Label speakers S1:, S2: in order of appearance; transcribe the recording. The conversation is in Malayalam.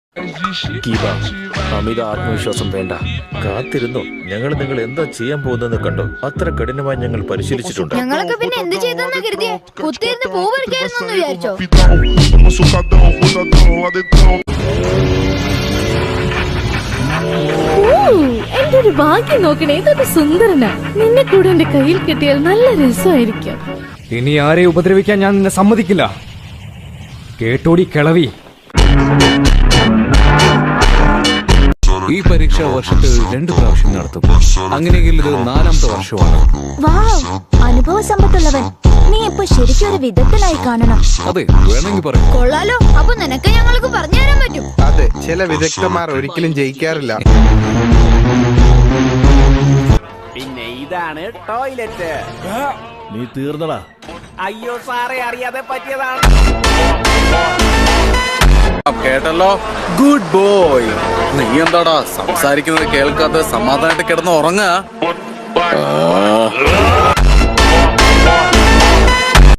S1: ഗീത, അമിത ആത്മവിശ്വാസം വേണ്ട. കാത്തിരുന്നു. ഞങ്ങൾ നിങ്ങൾ എന്താ ചെയ്യാൻ പോകുന്നതെന്ന് കണ്ടോ. അത്ര കഠിനമായി ഞങ്ങൾ പരിശീലിച്ചിട്ടുണ്ട്.
S2: ഞങ്ങളൊക്കെ പിന്നെ എന്ത് ചെയ്തെന്നാ കരുതിയേ? കുത്തിയിരുന്ന് പൂ പറിക്കായിരുന്നു വിചാരിച്ചോ?
S3: എന്റെ ഒരു ഭാഗ്യം നോക്കണേ, ഇതൊക്കെ സുന്ദരനാ. നിന്നെ കൂടെ എന്റെ കയ്യിൽ കിട്ടിയാൽ നല്ല രസമായിരിക്കും.
S4: ഇനി ആരെ ഉപദ്രവിക്കാൻ ഞാൻ നിന്നെ സമ്മതിക്കില്ല. കേട്ടോടി കിളവി.
S5: ഈ പരീക്ഷ വർഷത്തിൽ 2 പ്രാവശ്യം നടത്തും. അങ്ങനെയെങ്കിൽ ഇത് 4ാമത്തെ വർഷമാണ്.
S6: അനുഭവ സമ്പത്തുള്ളവൻ. നീ ഇപ്പൊ ശരിക്കും ഒരു വിധത്തിലായി കാണണം.
S5: അതെ, വേണമെങ്കിൽ പറയും.
S2: കൊള്ളാലോ. അപ്പൊ നിനക്ക് ഞങ്ങൾക്ക് പറഞ്ഞു തരാൻ പറ്റും.
S7: അതെ, ചില വിദഗ്ധന്മാർ ഒരിക്കലും ജയിക്കാറില്ല.
S8: പിന്നെ ഇതാണ് ടോയ്ലറ്റ്.
S1: നീ തീർന്നടാ.
S8: അയ്യോ സാറേ, അറിയാതെ പറ്റിയതാണ്.
S9: കേട്ടല്ലോ, ഗുഡ് ബോയ്. നീ എന്താടാ സംസാരിക്കുന്നത് കേൾക്കാതെ സമാധാനമായിട്ട് കിടന്ന് ഉറങ്ങാ?